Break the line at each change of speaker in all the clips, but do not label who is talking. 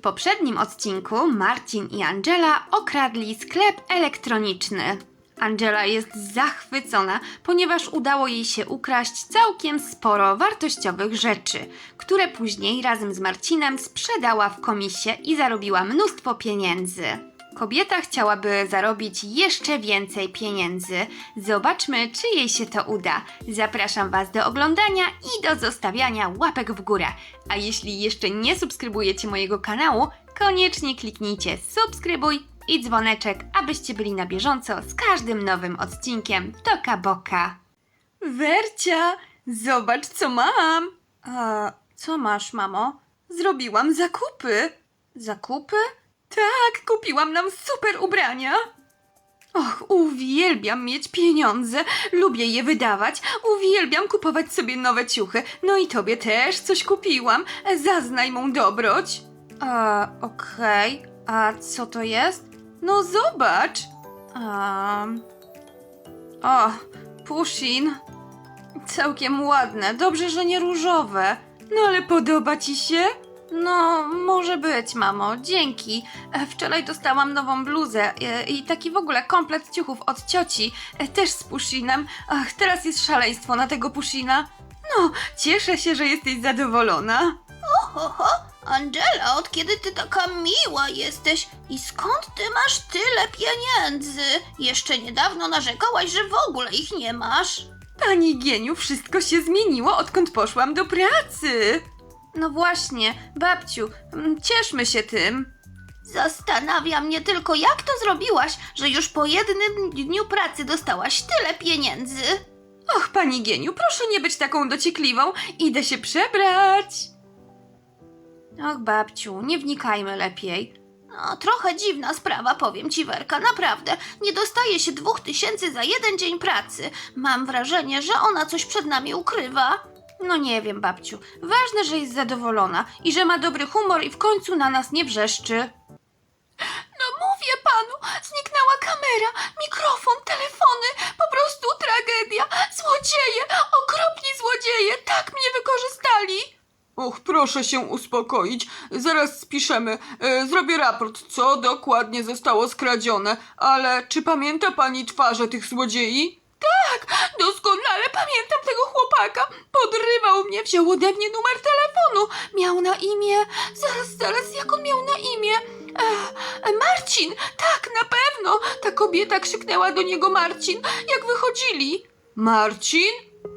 poprzednim odcinku Marcin i Angela okradli sklep elektroniczny. Angela jest zachwycona, ponieważ udało jej się ukraść całkiem sporo wartościowych rzeczy, które później razem z Marcinem sprzedała w komisie i zarobiła mnóstwo pieniędzy. Kobieta chciałaby zarobić jeszcze więcej pieniędzy. Zobaczmy, czy jej się to uda. Zapraszam Was do oglądania i do zostawiania łapek w górę. A jeśli jeszcze nie subskrybujecie mojego kanału, koniecznie kliknijcie subskrybuj i dzwoneczek, abyście byli na bieżąco z każdym nowym odcinkiem Toka Boka. Wercia, zobacz co mam! Co masz, mamo? Zrobiłam zakupy. Zakupy? Tak, kupiłam nam super ubrania. Och, uwielbiam mieć pieniądze, lubię je wydawać, uwielbiam kupować sobie nowe ciuchy. No i tobie też coś kupiłam, zaznaj mą dobroć. Okej. A co to jest? No zobacz. O, Pushin. Całkiem ładne, dobrze, że nie różowe. No ale podoba ci się? No, może być, mamo, dzięki. Wczoraj dostałam nową bluzę i taki w ogóle komplet ciuchów od cioci, też z Pushinem. Ach, teraz jest szaleństwo na tego Pushina. No, cieszę się, że jesteś zadowolona.
Oho, Angela, od kiedy ty taka miła jesteś i skąd ty masz tyle pieniędzy? Jeszcze niedawno narzekałaś, że w ogóle ich nie masz.
Pani Gieniu, wszystko się zmieniło, odkąd poszłam do pracy. No właśnie, babciu, cieszmy się tym.
Zastanawia mnie tylko, jak to zrobiłaś, że już po jednym dniu pracy dostałaś tyle pieniędzy.
Och, pani Gieniu, proszę nie być taką dociekliwą, idę się przebrać. Och, babciu, nie wnikajmy lepiej.
No, trochę dziwna sprawa, powiem ci, Werka, naprawdę. Nie dostaje się 2000 za jeden dzień pracy. Mam wrażenie, że ona coś przed nami ukrywa.
No nie wiem, babciu. Ważne, że jest zadowolona i że ma dobry humor i w końcu na nas nie wrzeszczy.
No mówię panu, zniknęła kamera, mikrofon, telefony, po prostu tragedia. Złodzieje, okropni złodzieje, tak mnie wykorzystali.
Och, proszę się uspokoić. Zaraz spiszemy. Zrobię raport, co dokładnie zostało skradzione. Ale czy pamięta pani twarze tych złodziei?
Tak, doskonale pamiętam tego chłopaka. Podrywał mnie, wziął ode mnie numer telefonu. Miał na imię... Zaraz, jak on miał na imię? Marcin, tak, na pewno. Ta kobieta krzyknęła do niego Marcin, jak wychodzili.
Marcin?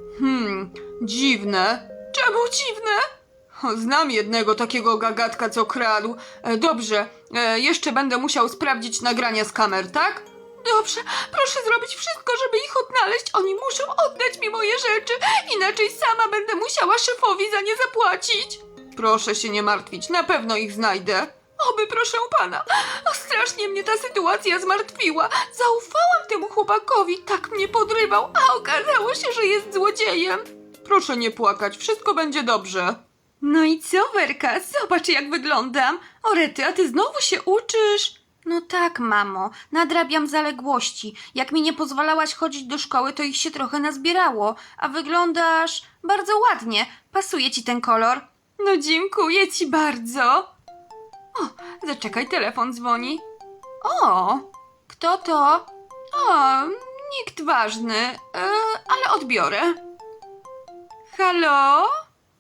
Dziwne.
Czemu dziwne?
Znam jednego takiego gagatka, co kradł. Dobrze, jeszcze będę musiał sprawdzić nagrania z kamer, tak?
Dobrze, proszę zrobić wszystko, żeby ich odnaleźć. Oni muszą oddać mi moje rzeczy, inaczej sama będę musiała szefowi za nie zapłacić.
Proszę się nie martwić, na pewno ich znajdę.
Oby, proszę pana. Strasznie mnie ta sytuacja zmartwiła. Zaufałam temu chłopakowi, tak mnie podrywał, a okazało się, że jest złodziejem.
Proszę nie płakać, wszystko będzie dobrze.
No i co, Werka? Zobacz, jak wyglądam. O rety, a ty znowu się uczysz? No tak, mamo, nadrabiam zaległości. Jak mi nie pozwalałaś chodzić do szkoły, to ich się trochę nazbierało. A wyglądasz bardzo ładnie. Pasuje ci ten kolor. No dziękuję ci bardzo. O, zaczekaj, telefon dzwoni. O, kto to? O, nikt ważny, ale odbiorę. Halo?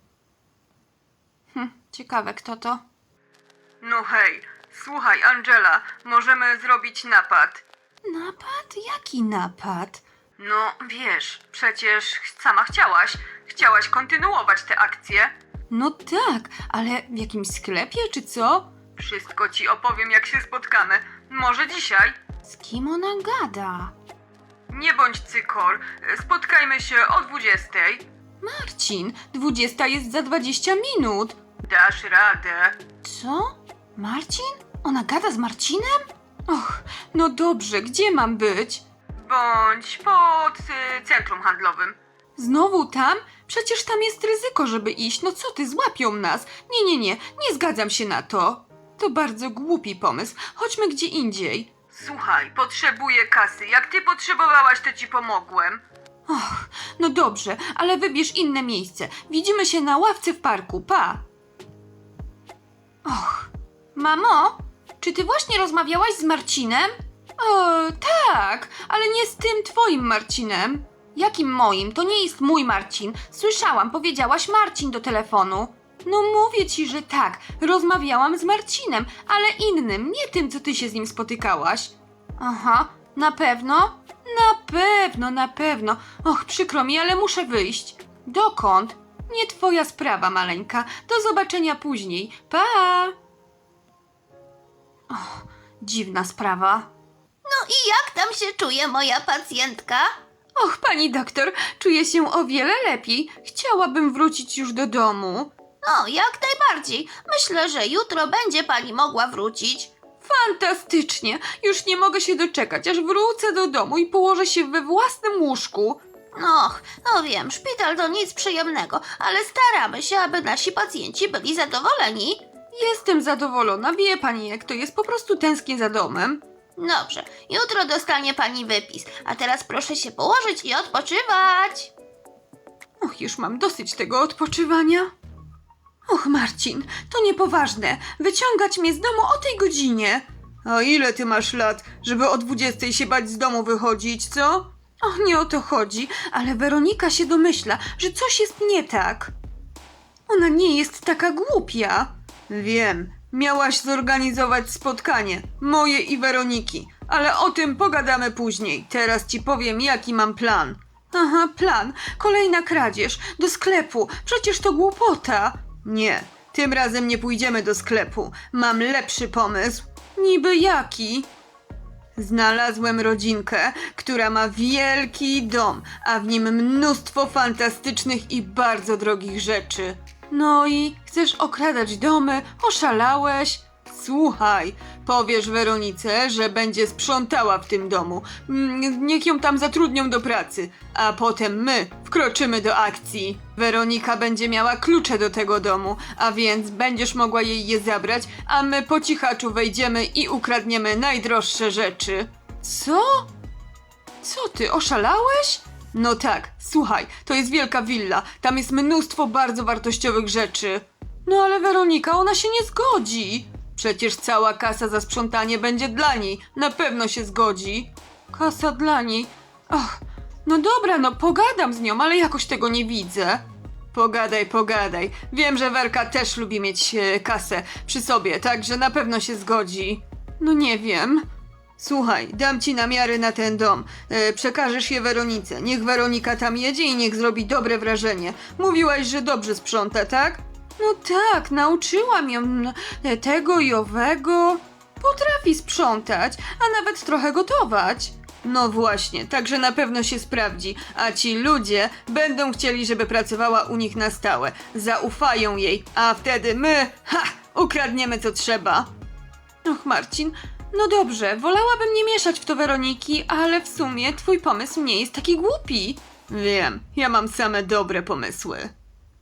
Ciekawe, kto to?
No hej, słuchaj Angela, możemy zrobić napad.
Napad? Jaki napad?
No wiesz, przecież sama chciałaś kontynuować tę akcję.
No tak, ale w jakimś sklepie czy co?
Wszystko ci opowiem, jak się spotkamy. Może dzisiaj?
Z kim ona gada?
Nie bądź cykor, spotkajmy się o 20.
Marcin, 20 jest za 20 minut.
Dasz radę.
Co? Marcin? Ona gada z Marcinem? Och, no dobrze, gdzie mam być?
Bądź pod centrum handlowym.
Znowu tam? Przecież tam jest ryzyko, żeby iść. No co ty, złapią nas. Nie zgadzam się na to. To bardzo głupi pomysł. Chodźmy gdzie indziej.
Słuchaj, potrzebuję kasy. Jak ty potrzebowałaś, to ci pomogłem.
Och, no dobrze, ale wybierz inne miejsce. Widzimy się na ławce w parku, pa! Och, Mamo, czy ty właśnie rozmawiałaś z Marcinem?
O, tak, ale nie z tym twoim Marcinem.
Jakim moim? To nie jest mój Marcin. Słyszałam, powiedziałaś Marcin do telefonu.
No mówię ci, że tak, rozmawiałam z Marcinem, ale innym, nie tym, co ty się z nim spotykałaś.
Aha, na pewno?
Na pewno. Och, przykro mi, ale muszę wyjść.
Dokąd?
Nie twoja sprawa, maleńka. Do zobaczenia później. Pa!
Dziwna sprawa.
No i jak tam się czuje moja pacjentka?
Och, pani doktor, czuję się o wiele lepiej. Chciałabym wrócić już do domu.
No, jak najbardziej. Myślę, że jutro będzie pani mogła wrócić.
Fantastycznie. Już nie mogę się doczekać, aż wrócę do domu i położę się we własnym łóżku.
Och, no wiem, szpital to nic przyjemnego, ale staramy się, aby nasi pacjenci byli zadowoleni.
Jestem zadowolona, wie pani jak to jest, po prostu tęsknię za domem.
Dobrze, jutro dostanie pani wypis, a teraz proszę się położyć i odpoczywać.
Och, już mam dosyć tego odpoczywania. Och, Marcin, to niepoważne. Wyciągać mnie z domu o tej godzinie.
A ile ty masz lat, żeby o 20 się bać z domu wychodzić, co?
Och, nie o to chodzi, ale Weronika się domyśla, że coś jest nie tak. Ona nie jest taka głupia.
Wiem, miałaś zorganizować spotkanie, moje i Weroniki, ale o tym pogadamy później. Teraz ci powiem, jaki mam plan.
Aha, plan. Kolejna kradzież. Do sklepu. Przecież to głupota.
Nie, tym razem nie pójdziemy do sklepu. Mam lepszy pomysł.
Niby jaki?
Znalazłem rodzinkę, która ma wielki dom, a w nim mnóstwo fantastycznych i bardzo drogich rzeczy.
No i chcesz okradać domy? Oszalałeś?
Słuchaj, powiesz Weronice, że będzie sprzątała w tym domu. Niech ją tam zatrudnią do pracy, a potem my wkroczymy do akcji. Weronika będzie miała klucze do tego domu, a więc będziesz mogła jej je zabrać, a my po cichaczu wejdziemy i ukradniemy najdroższe rzeczy.
Co? Co ty, oszalałeś?
No tak, słuchaj, to jest wielka willa, tam jest mnóstwo bardzo wartościowych rzeczy.
No ale Weronika, ona się nie zgodzi.
Przecież cała kasa za sprzątanie będzie dla niej, na pewno się zgodzi.
Kasa dla niej. Ach, no dobra, no pogadam z nią, ale jakoś tego nie widzę.
Pogadaj. Wiem, że Werka też lubi mieć kasę przy sobie, także na pewno się zgodzi.
No nie wiem.
Słuchaj, dam ci namiary na ten dom. Przekażesz je Weronice. Niech Weronika tam jedzie i niech zrobi dobre wrażenie. Mówiłaś, że dobrze sprząta, tak?
No tak, nauczyłam ją tego i owego. Potrafi sprzątać, a nawet trochę gotować.
No właśnie, także na pewno się sprawdzi, a ci ludzie będą chcieli, żeby pracowała u nich na stałe. Zaufają jej, a wtedy my, ukradniemy co trzeba.
Och, Marcin, no dobrze, wolałabym nie mieszać w to Weroniki, ale w sumie twój pomysł nie jest taki głupi.
Wiem, ja mam same dobre pomysły.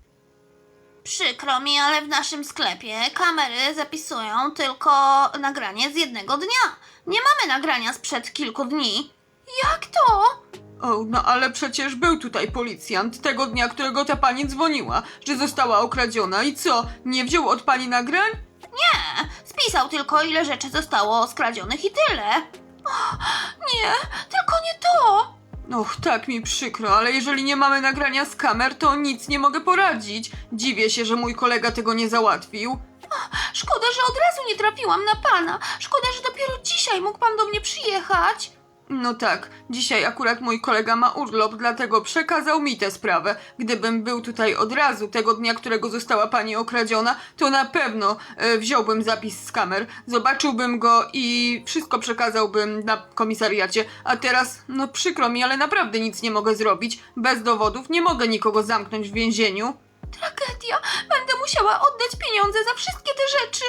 Przykro mi, ale w naszym sklepie kamery zapisują tylko nagranie z jednego dnia. Nie mamy nagrania sprzed kilku dni.
Jak to?
O, no ale przecież był tutaj policjant tego dnia, którego ta pani dzwoniła, że została okradziona i co, nie wziął od pani nagrań?
Nie, spisał tylko ile rzeczy zostało skradzionych i tyle.
Nie, tylko nie to.
Och, tak mi przykro, ale jeżeli nie mamy nagrania z kamer, to nic nie mogę poradzić. Dziwię się, że mój kolega tego nie załatwił.
Szkoda, że od razu nie trafiłam na pana. Szkoda, że dopiero dzisiaj mógł pan do mnie przyjechać.
No tak, dzisiaj akurat mój kolega ma urlop, dlatego przekazał mi tę sprawę. Gdybym był tutaj od razu, tego dnia, którego została pani okradziona, to na pewno wziąłbym zapis z kamer, zobaczyłbym go i wszystko przekazałbym na komisariacie. A teraz, no przykro mi, ale naprawdę nic nie mogę zrobić. Bez dowodów nie mogę nikogo zamknąć w więzieniu.
Tragedia. Będę musiała oddać pieniądze za wszystkie te rzeczy.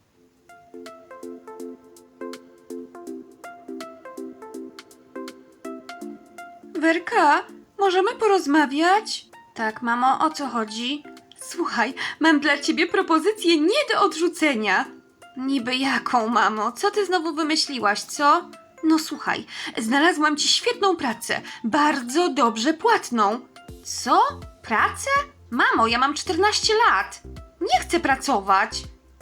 Werka, możemy porozmawiać?
Tak, mamo, o co chodzi?
Słuchaj, mam dla ciebie propozycję nie do odrzucenia.
Niby jaką, mamo? Co ty znowu wymyśliłaś, co?
No słuchaj, znalazłam ci świetną pracę, bardzo dobrze płatną.
Co? Pracę? Mamo, ja mam 14 lat. Nie chcę pracować.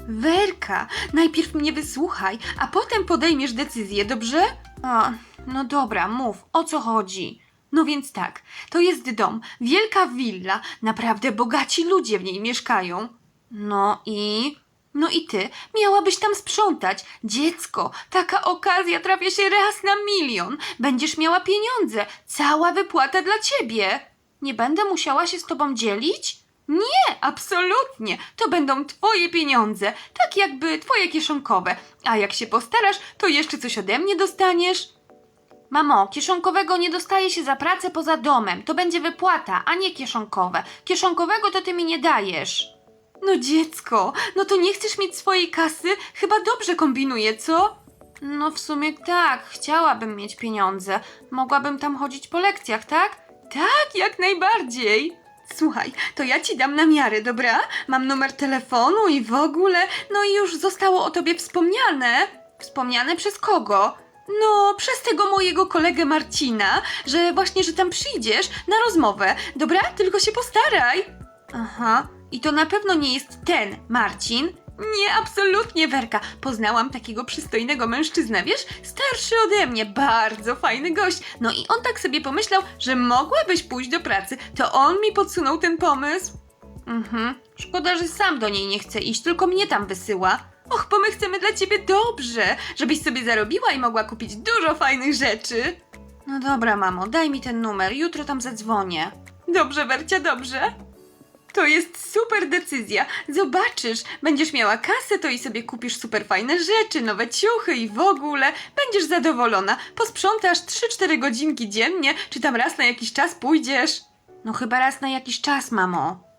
Werka, najpierw mnie wysłuchaj, a potem podejmiesz decyzję, dobrze? O, no dobra, mów, o co chodzi? No więc tak, to jest dom, wielka willa, naprawdę bogaci ludzie w niej mieszkają. No i... No i ty miałabyś tam sprzątać. Dziecko, taka okazja trafia się raz na milion. Będziesz miała pieniądze, cała wypłata dla ciebie. Nie będę musiała się z tobą dzielić? Nie, absolutnie. To będą twoje pieniądze, tak jakby twoje kieszonkowe. A jak się postarasz, to jeszcze coś ode mnie dostaniesz. Mamo, kieszonkowego nie dostaje się za pracę poza domem. To będzie wypłata, a nie kieszonkowe. Kieszonkowego to ty mi nie dajesz. No dziecko, no to nie chcesz mieć swojej kasy? Chyba dobrze kombinuję, co? No w sumie tak, chciałabym mieć pieniądze. Mogłabym tam chodzić po lekcjach, tak? Tak, jak najbardziej. Słuchaj, to ja ci dam na miarę, dobra? Mam numer telefonu i w ogóle, no i już zostało o tobie wspomniane. Wspomniane przez kogo? No, przez tego mojego kolegę Marcina, że tam przyjdziesz na rozmowę. Dobra? Tylko się postaraj. Aha, i to na pewno nie jest ten Marcin. Nie, absolutnie, Werka. Poznałam takiego przystojnego mężczyznę, wiesz? Starszy ode mnie, bardzo fajny gość. No i on tak sobie pomyślał, że mogłabyś pójść do pracy. To on mi podsunął ten pomysł. Szkoda, że sam do niej nie chce iść, tylko mnie tam wysyła. Och, bo my chcemy dla ciebie dobrze, żebyś sobie zarobiła i mogła kupić dużo fajnych rzeczy. No dobra, mamo, daj mi ten numer, jutro tam zadzwonię. Dobrze, Wercia, dobrze. To jest super decyzja. Zobaczysz, będziesz miała kasę, to i sobie kupisz super fajne rzeczy, nowe ciuchy i w ogóle. Będziesz zadowolona. Posprzątasz 3-4 godzinki dziennie, czy tam raz na jakiś czas pójdziesz? No chyba raz na jakiś czas, mamo.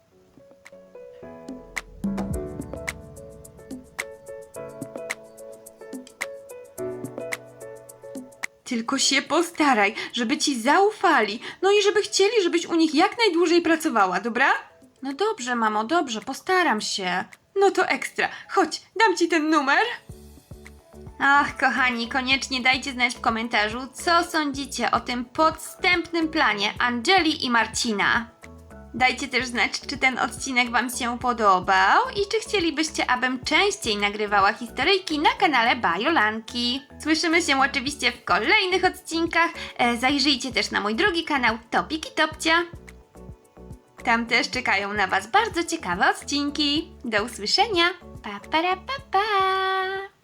Tylko się postaraj, żeby ci zaufali, no i żeby chcieli, żebyś u nich jak najdłużej pracowała, dobra? No dobrze, mamo, dobrze, postaram się. No to ekstra. Chodź, dam ci ten numer. Ach, kochani, koniecznie dajcie znać w komentarzu, co sądzicie o tym podstępnym planie Angeli i Marcina. Dajcie też znać, czy ten odcinek wam się podobał i czy chcielibyście, abym częściej nagrywała historyjki na kanale Bajolanki. Słyszymy się oczywiście w kolejnych odcinkach. Zajrzyjcie też na mój drugi kanał Topik i Topcia. Tam też czekają na was bardzo ciekawe odcinki. Do usłyszenia. Pa, pa, pa, pa.